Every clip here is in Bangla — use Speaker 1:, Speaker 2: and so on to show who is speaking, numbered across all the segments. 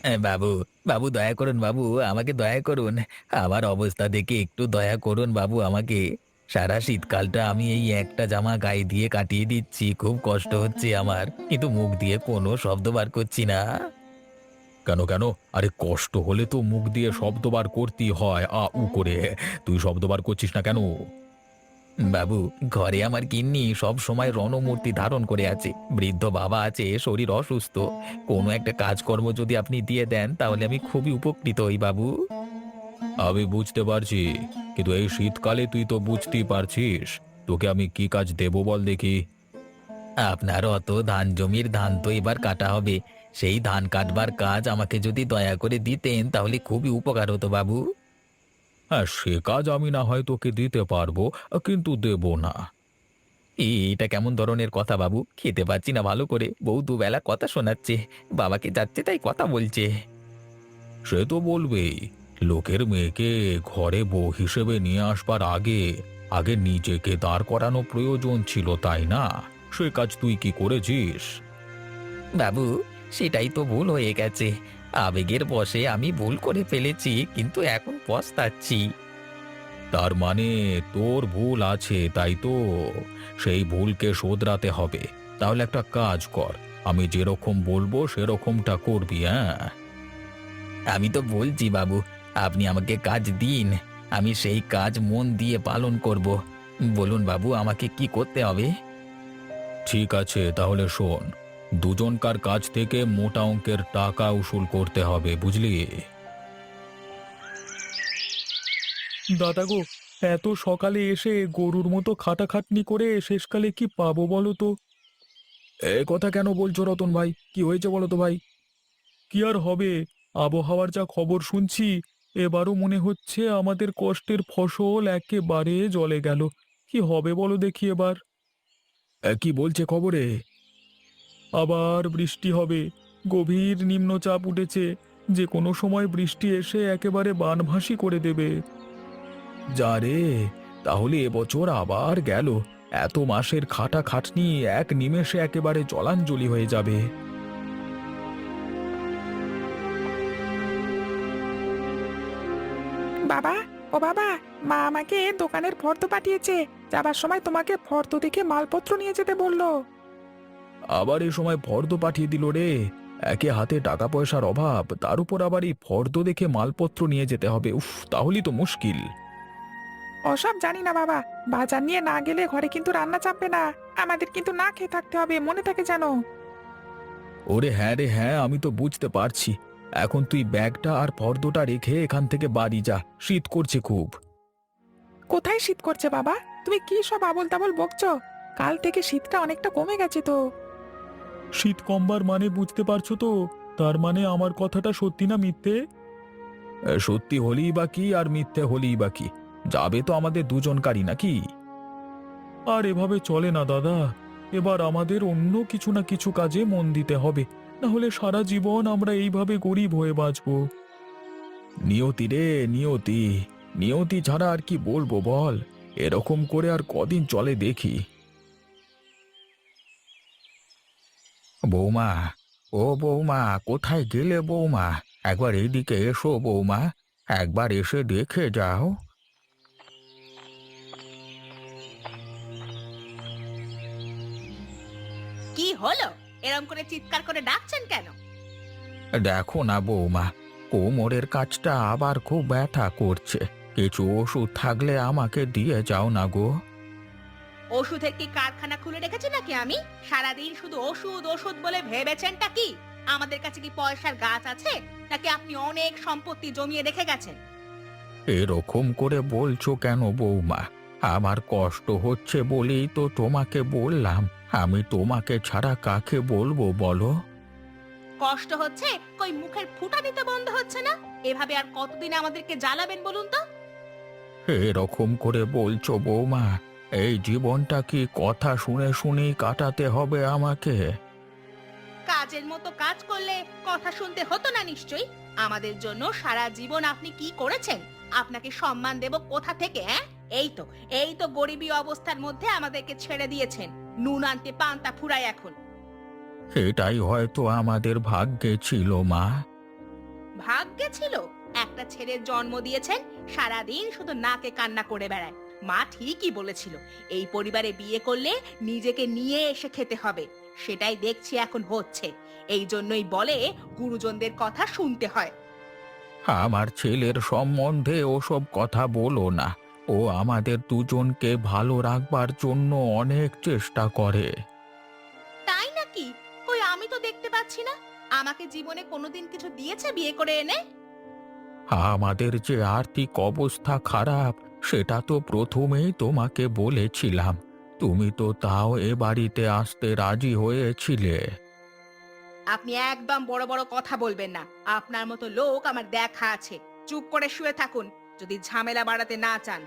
Speaker 1: বাবু, বাবু দয়া করুন বাবু, আমাকে দয়া করুন। আমার অবস্থা দেখে একটু দয়া করুন বাবু আমাকে। সারা শীতকালটা আমি এই একটা জামা গায়ে দিয়ে কাটিয়ে দিচ্ছি। খুব কষ্ট হচ্ছে আমার। কিন্তু মুখ দিয়ে কোনো শব্দ বার করছি না।
Speaker 2: কেন কেন? আরে কষ্ট হলে তো মুখ দিয়ে শব্দ বার করতেই হয় আ উ করে। তুই শব্দ বার করছিস না কেন?
Speaker 1: বাবু, ঘরে আমার গিন্নি সব সময় রণমূর্তি ধারণ করে আছে। বৃদ্ধ বাবা আছে, শরীর অসুস্থ। কোনো একটা কাজকর্ম যদি আপনি দিয়ে দেন তাহলে আমি খুবই উপকৃত হই বাবু।
Speaker 2: আমি বুঝতে পারছি, কিন্তু এই শীতকালে তুই তো বুঝতেই পারছিস। তোকে আমি কি কাজ দেব বল দেখি?
Speaker 1: আপনার অত ধান জমির ধান তো এবার কাটা হবে। সেই ধান কাটবার কাজ আমাকে যদি দয়া করে দিতেন তাহলে খুবই উপকার হতো বাবু।
Speaker 2: হ্যাঁ, সে কাজ আমি না হয় তোকে দিতে পারবো, কিন্তু দেব না।
Speaker 1: এটা কেমন ধরনের কথা বাবু? খেতে পাচ্ছি না ভালো করে, বউ দুবেলা কথা শোনাচ্ছে, বাবাকে যাচ্ছে তাই কথা বলছে।
Speaker 2: সে তো বলবেই। লোকের মেয়েকে ঘরে বউ হিসেবে নিয়ে আসবার আগে আগে নিজেকে দাঁড় করানো প্রয়োজন ছিল, তাই না? সে কাজ তুই কি করেছিস?
Speaker 1: বাবু, সেটাই তো ভুল হয়ে গেছে। আবেগের বশে আমি ভুল করে ফেলেছি, কিন্তু এখন পস্তাচ্ছি।
Speaker 2: তার মানে তোর ভুল আছে, তাই তো? সেই ভুলকে শোধরাতে হবে। তাহলে একটা কাজ কর, আমি যেরকম বলবো সেরকমটা করবি, হ্যাঁ?
Speaker 1: আমি তো বলছি বাবু, আপনি আমাকে কাজ দিন, আমি সেই কাজ মন দিয়ে পালন করব। বলুন বাবু, আমাকে কি করতে হবে?
Speaker 2: ঠিক আছে, তাহলে শোন। দুজনকার কাছ থেকে মোটা অঙ্কের টাকা উসুল করতে হবে, বুঝলি?
Speaker 3: দাদা গো, এত সকালে এসে গরুর মতো খাটাখাটনি করে শেষকালে কি পাবো বলো তো?
Speaker 2: এ কথা কেন বলছো রতন ভাই? কি হয়েছে বলো তো ভাই?
Speaker 3: কি আর হবে, আবহাওয়ার যা খবর শুনছি, এবারও মনে হচ্ছে আমাদের কষ্টের ফসল একেবারে জলে গেল। কি হবে বলো দেখি এবার?
Speaker 2: কি বলছে খবরে?
Speaker 3: আবার বৃষ্টি হবে, গভীর নিম্নচাপ উঠেছে, যে কোনো সময় বৃষ্টি এসে একেবারে বানভাসি করে দেবে।
Speaker 2: যা রে, তাহলে এবছর আবার গেল। এত মাসের খাটাখাটনি এক নিমেষে একেবারে জলাঞ্জলি হয়ে যাবে।
Speaker 4: বাবা, ও বাবা, মা আমাকে দোকানের ফর্দ পাঠিয়েছে। যাবার সময় তোমাকে ফর্দ দেখে মালপত্র নিয়ে যেতে বললো।
Speaker 2: আবার এ সময় ফর্দ পাঠিয়ে দিল রে। একে হাতে টাকা পয়সার অভাব, তার উপর আবার এই ফর্দ দেখে মালপত্র নিয়ে যেতে হবে। উফ, তাহলেই তো মুশকিল।
Speaker 4: ওসব জানি না বাবা, বাজার নিয়ে না গেলে ঘরে কিন্তু রান্না চাপবে না। আমাদের কিন্তু না খেয়ে থাকতে হবে, মনে থাকে যেন।
Speaker 2: ওরে হ্যাঁ রে হ্যাঁ, আমি তো বুঝতে পারছি। এখন তুই ব্যাগটা আর ফর্দটা রেখে এখান থেকে বাড়ি যা, শীত করছে খুব।
Speaker 4: কোথায় শীত করছে বাবা? তুমি কি সব আবোল তাবোল বকছো? কাল থেকে শীতটা অনেকটা কমে গেছে তো।
Speaker 3: শীত কমবার মানে বুঝতে পারছো তো? তার মানে আমার কথাটা সত্যি না মিথ্যে?
Speaker 2: সত্যি হলেই বা কি আর মিথ্যে হলেই বা কি? যাবে তো আমাদের দুজনকারই নাকি?
Speaker 3: আর এভাবে চলে না দাদা। এবার আমাদের অন্য কিছু না কিছু কাজে মন দিতে হবে, না হলে সারা জীবন আমরা এইভাবে গরিব হয়ে বাঁচবো।
Speaker 2: নিয়তি রে, নিয়তি। নিয়তি ছাড়া আর কি বলবো বল? এরকম করে আর কদিন চলে দেখি। বৌমা, ও বৌমা, কোথায় গেলে বৌমা? একবার এইদিকে এসো বৌমা, একবার এসে দেখে যাও।
Speaker 5: কি হলো? এরম করে চিৎকার করে ডাকছেন কেন?
Speaker 2: দেখো না বৌমা, কোমরের কাছটা আবার খুব ব্যথা করছে। কিছু ওষুধ থাকলে আমাকে দিয়ে যাও না গো।
Speaker 5: ওষুধের কি কারখানা খুলে রেখেছি নাকি আমি? সারাদিন শুধু ওষুধ ওষুধ বলে ভেবেছেনটা কি? আমাদের কাছে কি পয়সার গাছ আছে, নাকি আপনি অনেক সম্পত্তি জমিয়ে রেখে গেছেন?
Speaker 2: এরকম করে বলছো কেন বৌমা? আমার কষ্ট হচ্ছে বলেই তো তোমাকে বললাম। আমি তোমাকে ছাড়া কাকে বলবো বলো?
Speaker 5: কষ্ট হচ্ছে, কই মুখের ফুটা দিতে বন্ধ হচ্ছে না? এভাবে আর কতদিন আমাদেরকে জ্বালাবেন বলুন তো?
Speaker 2: এরকম করে বলছো বৌমা? এই জীবনটা কি কথা শুনে শুনেই কাটাতে হবে আমাকে?
Speaker 5: কাজের মতো কাজ করলে কথা শুনতে হতো না নিশ্চয়ই। আমাদের জন্য সারা জীবন আপনি কি করেছেন? আপনাকে সম্মান দেব কোথা থেকে, হ্যাঁ? এই তো গরিবী অবস্থার মধ্যে আমাদেরকে ছেড়ে দিয়েছেন। নুন আনতে পান্তা ফুরায় এখন।
Speaker 2: এটাই হয়তো আমাদের ভাগ্যে ছিল মা।
Speaker 5: ভাগ্যে ছিল একটা ছেলের জন্ম দিয়েছেন, সারাদিন শুধু নাকে কান্না করে বেড়ায়। মা ঠিকই বলেছিল, এই পরিবারে বিয়ে করলে নিজেকে নিয়ে এসে খেতে হবে। সেটাই দেখছি এখন হচ্ছে। এই জন্যই বলে গুরুজনদের কথা শুনতে হয়।
Speaker 2: আমার ছেলের সম্বন্ধে ওসব কথা বলো না। ও আমাদের দুজনকে ভালো রাখবার জন্য অনেক চেষ্টা করে।
Speaker 5: তাই নাকি? কই আমি তো দেখতে পাচ্ছি না। আমাকে জীবনে কোনোদিন কিছু দিয়েছে বিয়ে করে এনে?
Speaker 2: আমাদের যে আর্থিক অবস্থা খারাপ সেটা তো প্রথমেই তোমাকে বলেছিলাম। তুমি তো তাও এ বাড়িতে আসতে রাজি হয়েছিলে।
Speaker 5: আপনি একদম বড় বড় কথা বলবেন না। আপনার মতো লোক আমার দেখা আছে। চুপ করে শুয়ে থাকুন, যদি ঝামেলা বাড়াতে না চান।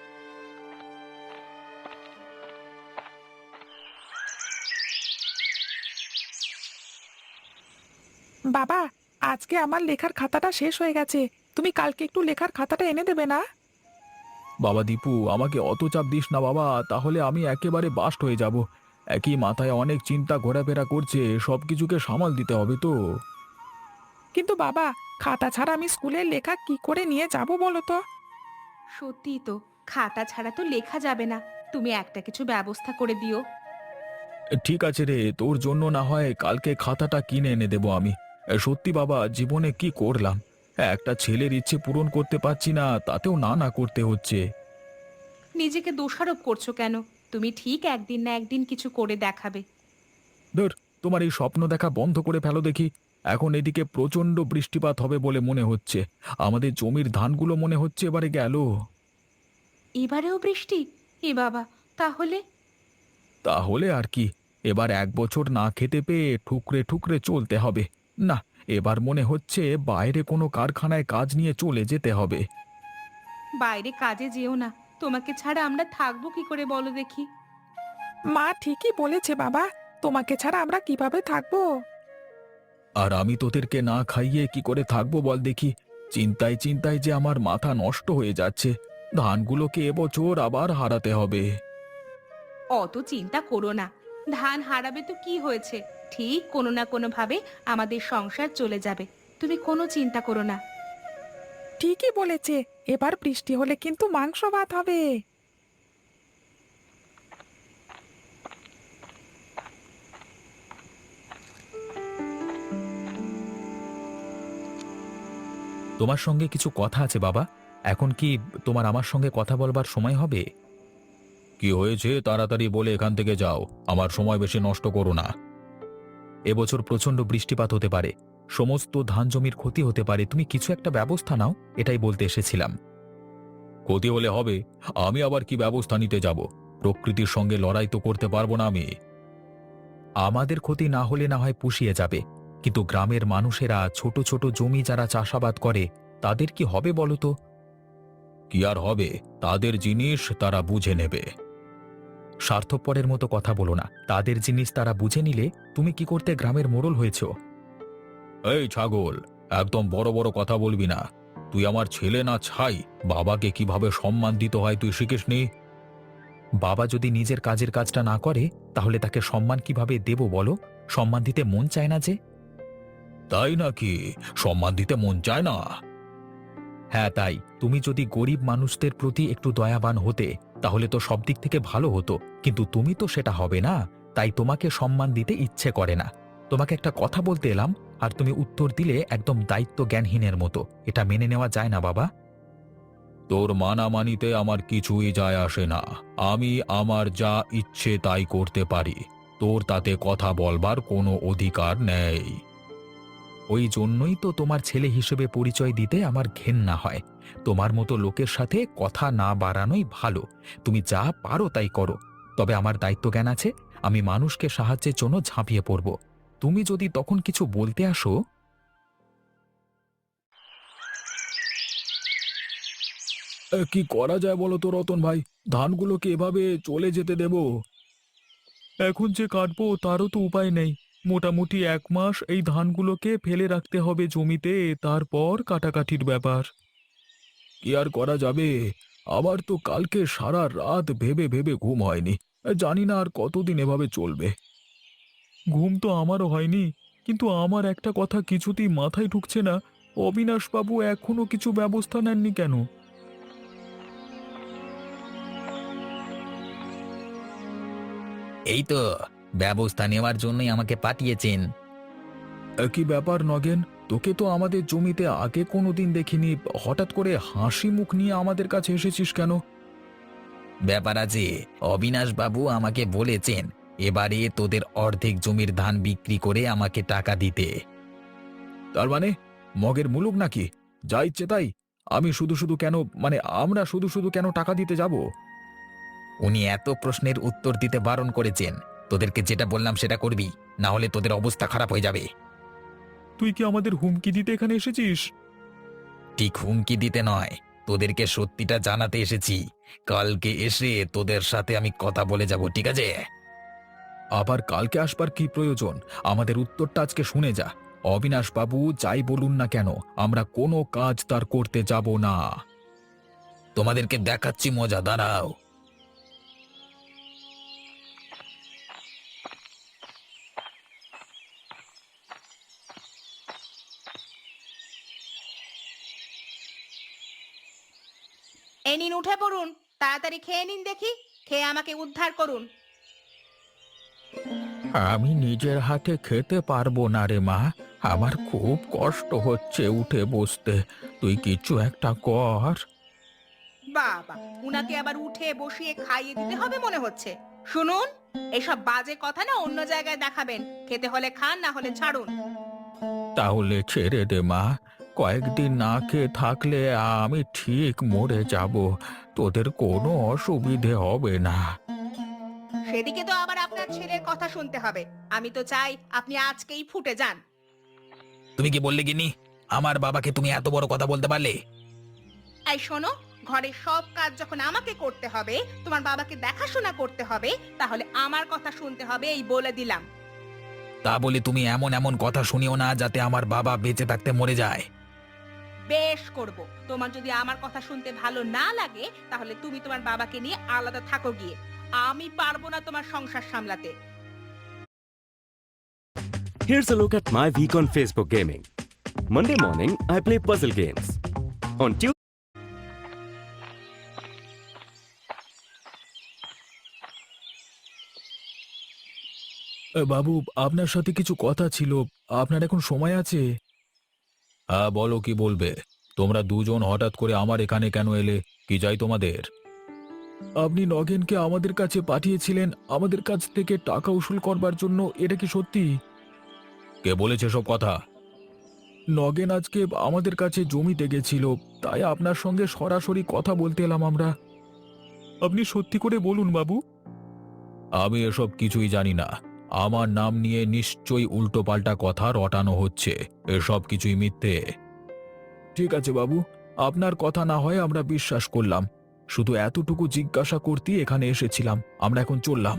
Speaker 4: বাবা, আজকে আমার লেখার খাতাটা শেষ হয়ে গেছে। তুমি কালকে একটু লেখার খাতাটা এনে দেবে না?
Speaker 3: বাবা দীপু, আমাকে অত চাপ দিস না বাবা, তাহলে আমি একেবারে বাস্ট হয়ে যাব। একই মাথায় অনেক চিন্তা ঘোরাফেরা করছে, সব কিছুকে সামাল দিতে হবে তো।
Speaker 4: কিন্তু বাবা, খাতা ছাড়া আমি স্কুলের লেখা কি করে নিয়ে যাব বলো তো?
Speaker 5: সত্যি তো, খাতা ছাড়া তো লেখা যাবে না। তুমি একটা কিছু ব্যবস্থা করে দিও।
Speaker 3: ঠিক আছে রে, তোর জন্য না হয় কালকে খাতাটা কিনে এনে দেবো আমি। সত্যি বাবা, জীবনে কি করলাম, একটা ছেলের ইচ্ছে পূরণ করতে পারছি না, তাতেও না না করতে হচ্ছে।
Speaker 5: নিজেকে দোষারোপ করছো কেন? তুমি ঠিক একদিন না একদিন কিছু করে দেখাবে।
Speaker 3: ধুর, তোমার এই স্বপ্ন দেখা বন্ধ করে ফেলো দেখি। এখন এদিকে প্রচণ্ড বৃষ্টিপাত হবে বলে মনে হচ্ছে। আমাদের জমির ধানগুলো মনে হচ্ছে এবারে গেল।
Speaker 5: এবারেও বৃষ্টি? এ বাবা, তাহলে?
Speaker 3: তাহলে আর কি, এবার 1 বছর না খেতে পেয়ে ঠুকরে ঠুকরে চলতে হবে। না, এবার মনে হচ্ছে বাইরে কোনো কারখানায় কাজ নিয়ে চলে যেতে হবে।
Speaker 5: বাইরে কাজে যেও না। তোমাকে ছাড়া আমরা থাকবো কি করে বলো দেখি?
Speaker 4: মা ঠিকই বলেছে বাবা, তোমাকে ছাড়া আমরা কিভাবে থাকবো?
Speaker 3: আর আমি তোদেরকে না খাইয়ে কি করে থাকবো বল দেখি। চিন্তায় চিন্তায় যে আমার মাথা নষ্ট হয়ে যাচ্ছে। ধানগুলোকে এবছর আবার হারাতে হবে।
Speaker 5: অত চিন্তা করো না। ধান হারাবে তো কি হয়েছে? ঠিক কোনো না কোনো ভাবে আমাদের সংসার চলে যাবে। তুমি কোনো চিন্তা করো না।
Speaker 4: ঠিকই বলেছে, এবার বৃষ্টি হলে কিন্তু মাংস ভাত হবে।
Speaker 2: তোমার সঙ্গে কিছু কথা আছে বাবা। এখন কি তোমার আমার সঙ্গে কথা বলবার সময় হবে?
Speaker 3: কি হয়েছে তাড়াতাড়ি বলে এখান থেকে যাও, আমার সময় বেশি নষ্ট করো না।
Speaker 2: এবছর প্রচণ্ড বৃষ্টিপাত হতে পারে, সমস্ত ধান জমির ক্ষতি হতে পারে, তুমি কিছু একটা ব্যবস্থা নাও, এটাই বলতে এসেছিলাম।
Speaker 3: ক্ষতি হলে হবে, আমি আবার কি ব্যবস্থা নিতে যাব? প্রকৃতির সঙ্গে লড়াই তো করতে পারবো না আমি।
Speaker 2: আমাদের ক্ষতি না হলে না হয় পুষিয়ে যাবে, কিন্তু গ্রামের মানুষেরা ছোট ছোট জমি যারা চাষাবাদ করে তাদের কি হবে বলো তো?
Speaker 3: কি আর হবে, তাদের জিনিস তারা বুঝে নেবে।
Speaker 2: স্বার্থপরের মতো কথা বলো না, তাদের জিনিস তারা বুঝে নিলে তুমি কি করতে গ্রামের মোড়ল হয়েছ?
Speaker 3: এই ছাগল, একদম বড় বড় কথা বলবি না। তুই আমার ছেলে না ছাই, বাবাকে কিভাবে সম্মান দিতে হয় তুই শিখিসনি?
Speaker 2: বাবা যদি নিজের কাজের কাজটা না করে তাহলে তাকে সম্মান কিভাবে দেব বলো? সম্মান দিতে মন চায় না যে?
Speaker 3: তাই নাকি? সম্মান দিতে মন চায় না?
Speaker 2: হ্যাঁ তাই, তুমি যদি গরিব মানুষদের প্রতি একটু দয়াবান হতে তাহলে তো সব দিক থেকে ভালো হতো, কিন্তু তুমি তো সেটা হবে না, তাই তোমাকে সম্মান দিতে ইচ্ছে করে না। তোমাকে একটা কথা বলতে এলাম আর তুমি উত্তর দিলে একদম দায়িত্ব জ্ঞানহীনের মতো, এটা মেনে নেওয়া যায় না বাবা।
Speaker 3: তোর মানামানিতে আমার কিছুই যায় আসে না। আমি আমার যা ইচ্ছে তাই করতে পারি, তোর তাতে কথা বলবার কোনো অধিকার নেই।
Speaker 2: ওই জন্যই তো তোমার ছেলে হিসেবে পরিচয় দিতে আমার ঘেন্না হয়। তোমার মতো লোকের সাথে কথা না বাড়ানোই ভালো। তুমি যা পারো তাই করো, তবে আমার দায়িত্ব জ্ঞান আছে, আমি মানুষকে সাহায্যের জন্য ঝাঁপিয়ে পড়ব। তুমি যদি তখন কিছু বলতে আসো।
Speaker 3: কি করা যায় বলো তো রতন ভাই, ধানগুলোকে এভাবে চলে যেতে দেব?
Speaker 6: এখন যে কাটবো তারও তো উপায় নেই। মোটামুটি 1 মাস এই ধানগুলোকে ফেলে রাখতে হবে জমিতে, তারপর কাটাকাটির ব্যাপার।
Speaker 3: কি আর করা যাবে? আমার তো কালকে সারা রাত ভেবে ভেবে ঘুম হয়নি। জানি না আর কতদিন এভাবে চলবে।
Speaker 6: ঘুম তো আমারও হয়নি, কিন্তু আমার একটা কথা কিছুতেই মাথায় ঢুকছে না। অবিনাশবাবু এখনো কিছু ব্যবস্থা নেননি কেন?
Speaker 1: এই তো ব্যবস্থা নেওয়ার জন্যই আমাকে পাঠিয়েছেন।
Speaker 6: কি ব্যাপার নগেন, তোকে তো আমাদের জমিতে আগে কোনোদিন দেখিনি, হঠাৎ করে হাসি মুখ নিয়ে আমাদের কাছে এসেছিস কেন?
Speaker 1: ব্যাপার আছে, অবিনাশ বাবু আমাকে বলেছেন এবারে তোদের অর্ধেক জমির ধান বিক্রি করে আমাকে টাকা দিতে।
Speaker 6: তার মানে মগের মুলুক নাকি? যা ইচ্ছে তাই? আমি শুধু শুধু কেন, মানে আমরা শুধু শুধু কেন টাকা দিতে যাব?
Speaker 1: উনি এত প্রশ্নের উত্তর দিতে বারণ করেছেন। তোদেরকে যেটা বললাম সেটা করবি, না হলে তোদের অবস্থা খারাপ হয়ে যাবে।
Speaker 6: তুই কি আমাদের হুমকি দিতে এখানে এসেছিস?
Speaker 1: ঠিক হুমকি দিতে নয়, তোদেরকে সত্যিটা জানাতে এসেছি। কালকে এসে তোদের সাথে আমি কথা বলে যাব, ঠিক আছে?
Speaker 6: আবার কালকে আসবার কি প্রয়োজন? আমাদের উত্তরটা আজকে শুনে যা। অবিনাশ বাবু যাই বলুন না কেন, আমরা কোনো কাজ তার করতে যাব না।
Speaker 1: তোমাদেরকে দেখাচ্ছি মজা, দাঁড়াও।
Speaker 5: এই নিন, উঠে পড়ুন, তাড়াতাড়ি খেয়ে নিন দেখি, খেয়ে আমাকে উদ্ধার করুন।
Speaker 2: আমি নিজের হাতে খেতে পারবো না রে মা, আমার খুব কষ্ট হচ্ছে উঠে বসতে। তুই কিছু একটা কর।
Speaker 5: বাবা, উনাকে আবার উঠে বসিয়ে খাইয়ে দিতে হবে মনে হচ্ছে। শুনুন, এসব বাজে কথা না অন্য জায়গায় দেখাবেন। খেতে হলে খান, না হলে ছাড়ুন।
Speaker 2: তাহলে ছেড়ে দে মা, কয়েকদিন না খেয়ে থাকলে আমি ঠিক মরে যাব, তোদের কোনো অসুবিধে হবে না।
Speaker 5: সেদিকে তো আবার আপনার ছেলের কথা শুনতে হবে। আমি তো চাই আপনি আজকেই ফুটে যান।
Speaker 1: তুমি কি বললে গিনি? আমার বাবাকে তুমি এত বড় কথা বলতে পারলে?
Speaker 5: এই শোনো, ঘরের সব কাজ যখন আমাকে করতে হবে, তোমার বাবাকে দেখাশোনা করতে হবে, তাহলে আমার কথা শুনতে হবে, এই বলে দিলাম।
Speaker 1: তা বলে তুমি এমন এমন কথা শুনিও না যাতে আমার বাবা বেঁচে থাকতে মরে যায়।
Speaker 5: বেশ করব। তোমার যদি আমার কথা শুনতে ভালো না লাগে, তাহলে তুমি তোমার বাবাকে নিয়ে আলাদা থাকো গিয়ে। আমি পারবো না তোমার সংসার সামলাতে।
Speaker 7: Here's a look at my week on Facebook Gaming. Monday morning, I play puzzle games. On Tuesday,
Speaker 6: বাবু, আপনার সাথে কিছু কথা ছিল, আপনার এখন সময় আছে?
Speaker 3: হ্যাঁ বলো, কি বলবে? তোমরা দুজন হঠাৎ করে আমার এখানে কেন এলে? কি চাই তোমাদের?
Speaker 6: আপনি নগেনকে আমাদের কাছে পাঠিয়েছিলেন আমাদের কাছ থেকে টাকা উসুল করবার জন্য, এটা কি সত্যি?
Speaker 3: কে বলেছে সব কথা?
Speaker 6: নগেন আজকে আমাদের কাছে জমিতে গেছিল, তাই আপনার সঙ্গে সরাসরি কথা বলতে এলাম আমরা। আপনি সত্যি করে বলুন বাবু।
Speaker 3: আমি এসব কিছুই জানি না। আমার নাম নিয়ে নিশ্চয়ই উল্টোপাল্টা কথা রটানো হচ্ছে। এসব কিছুই মিথ্যে।
Speaker 6: ঠিক আছে বাবু, আপনার কথা না হয় আমরা বিশ্বাস করলাম। শুধু এতটুকু জিজ্ঞাসা করতেই এখানে এসেছিলাম। আমরা এখন চললাম।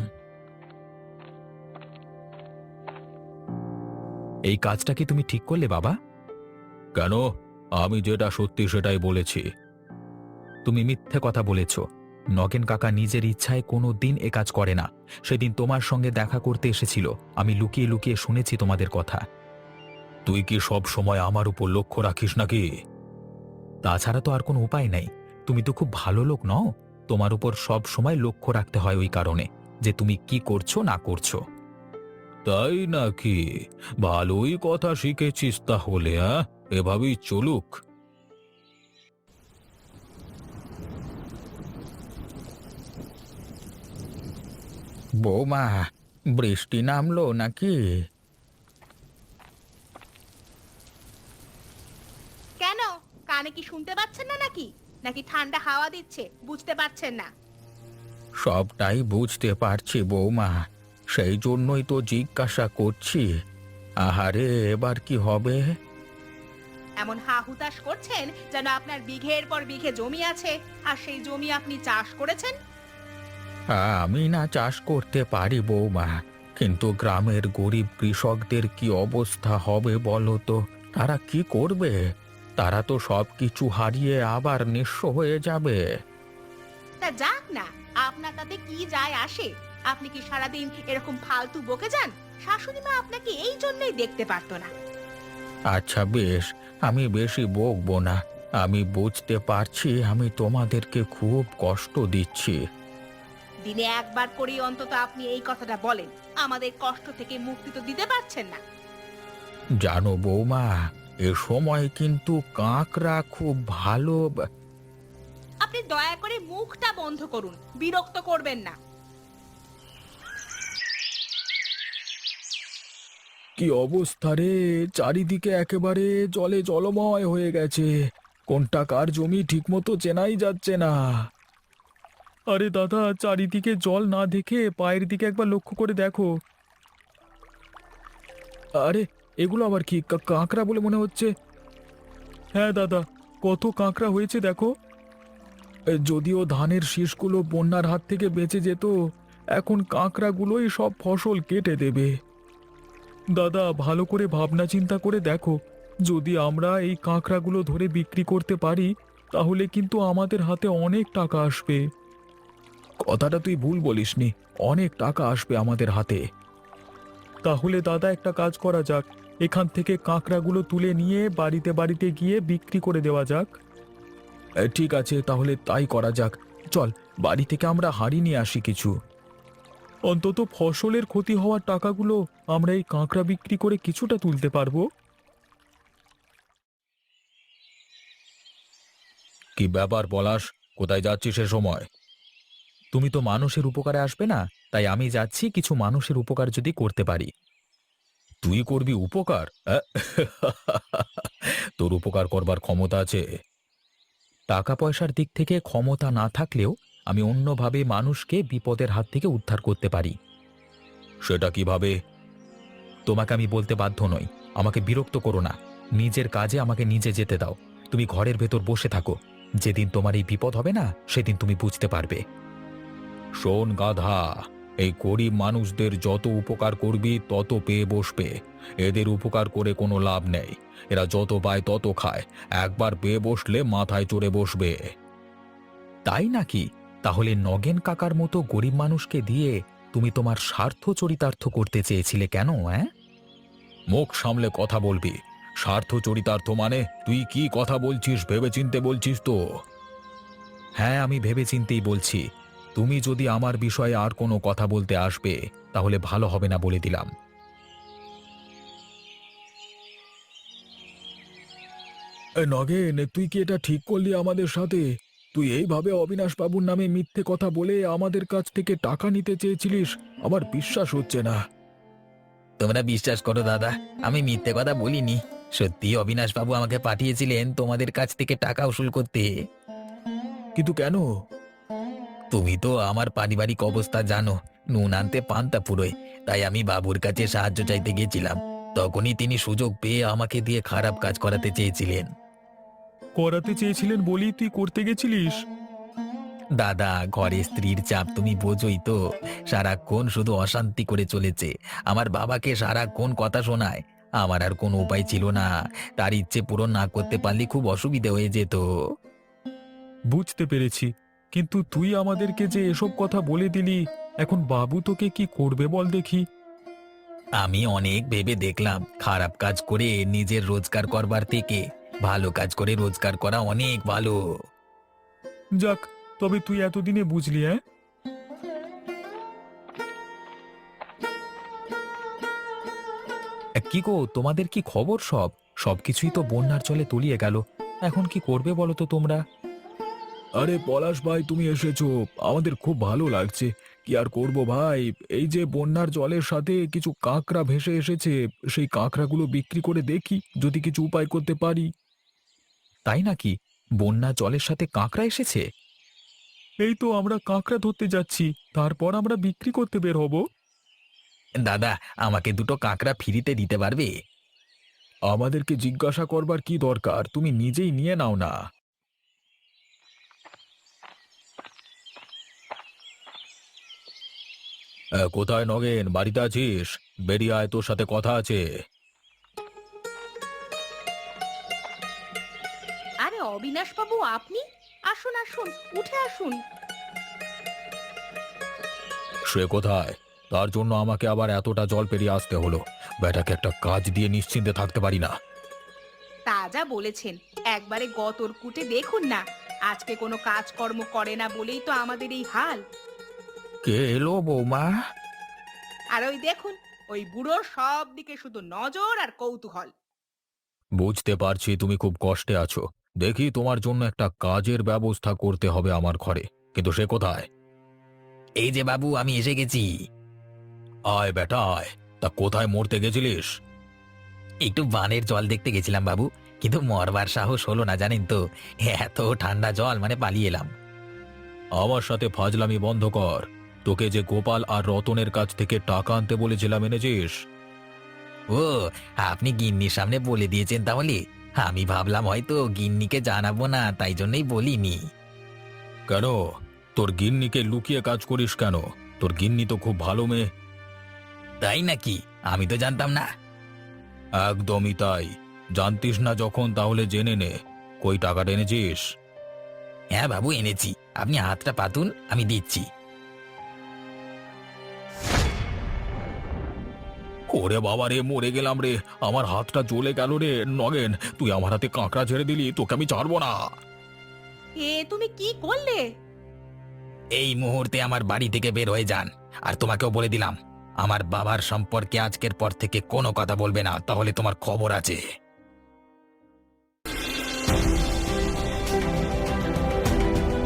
Speaker 1: এই কাজটা কি তুমি ঠিক করলে বাবা?
Speaker 3: কেন? আমি যেটা সত্যি সেটাই বলেছি।
Speaker 1: তুমি মিথ্যে কথা বলেছ। নগেন কাকা নিজের ইচ্ছায় কোনো দিন এ কাজ করে না। সেদিন তোমার সঙ্গে দেখা করতে এসেছিল, আমি লুকিয়ে লুকিয়ে শুনেছি তোমাদের কথা।
Speaker 3: তুই কি সব সময় আমার উপর লক্ষ্য রাখিস নাকি?
Speaker 1: তাছাড়া তো আর কোনো উপায় নেই। তুমি তো খুব ভালো লোক নও। তোমার উপর সব সময় লক্ষ্য রাখতে হয় ওই কারণে যে তুমি কি করছো না করছো।
Speaker 3: তাই নাকি? ভালোই কথা শিখেছিস তাহলে। এভাবেই চলুক।
Speaker 1: বৌমা, বৃষ্টি নামলো নাকি?
Speaker 5: কেন, কানে কি শুনতে পাচ্ছেন না নাকি? নাকি ঠান্ডা হাওয়া দিচ্ছে, বুঝতে পারছেন না?
Speaker 1: সবটাই বুঝতে পারছি বৌমা, সেই জন্যই তো জিজ্ঞাসা করছি। আহারে, এবার কি হবে?
Speaker 5: এমন হা হুতাশ করছেন যেন আপনার বিঘের পর বিঘে জমি আছে, আর সেই জমি আপনি চাষ করেছেন।
Speaker 1: আমি না চাষ করতে পারি বৌমা, কিন্তু গ্রামের গরিব কৃষকদের কি অবস্থা হবে বলো তো? তারা কি করবে? তারা তো সব কিছু হারিয়ে আবার নিঃস্ব হয়ে যাবে।
Speaker 5: তা যাক না, আপনার তাতে কি যায় আসে? আপনি কি সারাদিন এরকম ফালতু বকে যান? শাশুড়ি মা আপনাকে এই জন্যই দেখতে পারতো না।
Speaker 1: আচ্ছা বেশ,
Speaker 2: আমি বেশি বকবো না। আমি বুঝতে পারছি আমি তোমাদেরকে খুব কষ্ট দিচ্ছি।
Speaker 5: দিনে একবার করেই অন্তত আপনি এই কথাটা বলেন, আমাদের কষ্ট থেকে মুক্তি তো দিতে পারছেন না।
Speaker 2: জানো বৌমা, এ সময় কিন্তু কাকড়া খুব ভালো
Speaker 5: আপনি দয়া করে মুখটা বন্ধ করুন, বিরক্ত করবেন না।
Speaker 3: কি অবস্থা রে, চারিদিকে একেবারে জলে জলময় হয়ে গেছে। কোনটা কার জমি ঠিকমতো চেনাই যাচ্ছে না। আরে দাদা, চারিদিকে জল না দেখে পায়ের দিকে একবার লক্ষ্য করে দেখো। আরে এগুলো আবার কি কাঁকড়া বলে মনে হচ্ছে। হ্যাঁ দাদা, কত কাঁকড়া হয়েছে দেখো। যদিও ধানের শীষগুলো বন্যার হাত থেকে বেঁচে যেত, এখন কাঁকড়াগুলোই সব ফসল কেটে দেবে। দাদা, ভালো করে ভাবনা চিন্তা করে দেখো, যদি আমরা এই কাঁকড়াগুলো ধরে বিক্রি করতে পারি তাহলে কিন্তু আমাদের হাতে অনেক টাকা আসবে। কথাটা তুই ভুল বলিসনি, অনেক টাকা আসবে আমাদের হাতে। তাহলে দাদা, একটা কাজ করা যাক, এখান থেকে কাঁকড়াগুলো তুলে নিয়ে বাড়িতে বাড়িতে গিয়ে বিক্রি করে দেওয়া যাক। ঠিক আছে, তাহলে তাই করা যাক। চল, বাড়ি থেকে আমরা হাঁড়ি নিয়ে আসি কিছু। অন্তত ফসলের ক্ষতি হওয়ার টাকাগুলো আমরা এই কাঁকড়া বিক্রি করে কিছুটা তুলতে পারবো।
Speaker 2: কি ব্যাপার পলাশ, কোথায় যাচ্ছিস সে সময়?
Speaker 1: তুমি তো মানুষের উপকারে আসবে না, তাই আমি যাচ্ছি কিছু মানুষের উপকার যদি করতে পারি।
Speaker 2: তুই করবি উপকার? তোর উপকার করবার ক্ষমতা আছে?
Speaker 1: টাকা পয়সার দিক থেকে ক্ষমতা না থাকলেও আমি অন্যভাবে মানুষকে বিপদের হাত থেকে উদ্ধার করতে পারি।
Speaker 2: সেটা কিভাবে?
Speaker 1: তোমাকে আমি বলতে বাধ্য নই, আমাকে বিরক্ত করো না। নিজের কাজে আমাকে নিজে যেতে দাও। তুমি ঘরের ভেতর বসে থাকো, যেদিন তোমার এই বিপদ হবে না সেদিন তুমি বুঝতে পারবে।
Speaker 2: শোন গাধা, এই গরিব মানুষদের যত উপকার করবি তত পেয়ে বসবে। এদের উপকার করে কোনো লাভ নেই। এরা যত পায় তত খায়, একবার পেয়ে বসলে মাথায় চড়ে বসবে।
Speaker 1: তাই নাকি? তাহলে নগেন কাকার মতো গরিব মানুষকে দিয়ে তুমি তোমার স্বার্থ চরিতার্থ করতে চেয়েছিলে কেন?
Speaker 2: মুখ সামলে কথা বলবি। স্বার্থ চরিতার্থ মানে? তুই কি কথা বলছিস ভেবেচিন্তে বলছিস তো?
Speaker 1: হ্যাঁ, আমি ভেবেচিন্তেই বলছি। তুমি যদি আমার বিষয়ে আর কোনো কথা বলতে আসবে তাহলে ভালো হবে না বলে দিলাম।
Speaker 3: নগেন, তুই কি এটা ঠিক করলি আমাদের সাথে? তুই এইভাবে অবিনাশ বাবুর নামে মিথ্যে কথা বলে আমাদের কাছ থেকে টাকা নিতে চেয়েছিলিস? আমার বিশ্বাস হচ্ছে না।
Speaker 1: তোমরা বিশ্বাস করো দাদা, আমি মিথ্যে কথা বলিনি। সত্যি অবিনাশবাবু আমাকে পাঠিয়েছিলেন তোমাদের কাছ থেকে টাকা উসুল করতে।
Speaker 3: কিন্তু কেন?
Speaker 1: তুমি তো আমার পারিবারিক অবস্থা জানো, নুন আনতে পান্তা ফুরোয়। তাই আমি বাবুর কাছে সাহায্য চাইতে গেছিলাম। তখনই তিনি সুযোগ পেয়ে আমাকে দিয়ে খারাপ কাজ করাতে চেয়েছিলেন।
Speaker 3: করাতে চেয়েছিলেন বলেই তুই করতে গেছিলিস?
Speaker 1: দাদা, ঘরে স্ত্রীর চাপ তুমি বোঝোই তো। সারাক্ষণ শুধু অশান্তি করে চলেছে। আমার বাবাকে সারাক্ষণ কথা শোনায়। আমার আর কোনো উপায় ছিল না। তার ইচ্ছে পূরণ না করতে পারলে খুব অসুবিধে হয়ে যেত।
Speaker 3: বুঝতে পেরেছি, কিন্তু তুই আমাদেরকে যে এসব কথা বলে দিলি, এখন বাবু তোকে কি করবে বল দেখি?
Speaker 1: আমি অনেক ভেবে দেখলাম, খারাপ কাজ করে নিজের রোজগার করবার থেকে ভালো কাজ করে রোজগার করা অনেক ভালো।
Speaker 3: যাক, তবে তুই এতদিনে বুঝলি?
Speaker 1: কি গো, তোমাদের কি খবর? সবকিছুই তো বন্যার জলে তলিয়ে গেল। এখন কি করবে বলো তো তোমরা?
Speaker 3: আরে পলাশ ভাই, তুমি এসেছো, আমাদের খুব ভালো লাগছে। কি আর করব ভাই, এই যে বন্যার জলের সাথে কিছু কাঁকড়া ভেসে এসেছে, সেই কাঁকড়াগুলো বিক্রি করে দেখি যদি কিছু উপায় করতে পারি।
Speaker 1: তাই নাকি? বন্যা জলের সাথে কাঁকড়া এসেছে?
Speaker 3: এই তো আমরা কাঁকড়া ধরতে যাচ্ছি, তারপর আমরা বিক্রি করতে বের হব।
Speaker 1: দাদা, আমাকে দুটো কাঁকড়া ফ্রিতে দিতে পারবে?
Speaker 3: আমাদেরকে জিজ্ঞাসা করবার কি দরকার, তুমি নিজেই নিয়ে নাও না।
Speaker 2: কোথায় নগেন, বাড়িতে আছিস? বেরিয়ে আয়, তোর সাথে কথা আছে।
Speaker 5: আরে অবিনাশ বাবু, আপনি আসুন আসুন, উঠে আসুন।
Speaker 2: সে কোথায়? তার জন্য আমাকে আবার এতটা জল পেরিয়ে আসতে হলো। বেটাকে একটা কাজ দিয়ে নিশ্চিন্তে থাকতে পারি না।
Speaker 5: তা যা বলেছেন, একবারে গতর কুটে দেখুন না। আজকে কোনো কাজকর্ম করে না বলেই তো আমাদের এই হাল।
Speaker 1: কে এলো বৌমা?
Speaker 5: আর ওই দেখুন, ওই বুড়োর সব দিকে শুধু নজর আর কৌতূহল।
Speaker 2: বুঝতে পারছি তুমি খুব কষ্টে আছো। দেখি তোমার জন্য একটা কাজের ব্যবস্থা করতে হবে আমার ঘরে, কিন্তু সে কোথায়?
Speaker 1: এই যে বাবু, আমি এসে গেছি।
Speaker 2: আয় বেটা আয়। তা কোথায় মরতে গেছিলিস?
Speaker 1: একটু বানের জল দেখতে গেছিলাম বাবু, কিন্তু মরবার সাহস হলো না জানেন তো। এত ঠান্ডা জল, মানে পালিয়ে এলাম।
Speaker 2: আমার সাথে ফাজলামি বন্ধ কর। তোকে যে গোপাল আর রতনের কাছ থেকে টাকা আনতে বলেছিলাম, এনেছিস?
Speaker 1: ও, আপনি গিন্নির সামনে বলে দিয়েছেন তাহলে? আমি ভাবলাম হয়তো গিন্নিকে জানাবো না, তাই জন্যই বলিনি।
Speaker 2: কেন? তোর গিন্নিকে লুকিয়ে কাজ করিস কেন? তোর গিন্নি তো খুব ভালো মেয়ে।
Speaker 1: তাই নাকি? আমি তো জানতাম না।
Speaker 2: একদমই তাই। জানতিস না যখন, তাহলে জেনে নে। কই টাকাটা এনেছিস?
Speaker 1: হ্যাঁ বাবু, এনেছি। আপনি হাতটা পাতুন, আমি দিচ্ছি।
Speaker 2: ওরে বাবা রে, মরে গেলাম রে। আমার হাতটা জ্বলে গেল রে। নগেন, তুই আমার হাতে কাঁকড়া ছেড়ে দিলি, তোকে আমি ছাড়বো না।
Speaker 5: এ তুমি কি করলে?
Speaker 1: এই মুহূর্তে আমার বাড়ি থেকে বের হয়ে যান। আর তোমাকেও বলে দিলাম, আমার বাবার সম্পর্কে আজকের পর থেকে কোনো কথা বলবে না, তাহলে তোমার খবর আছে।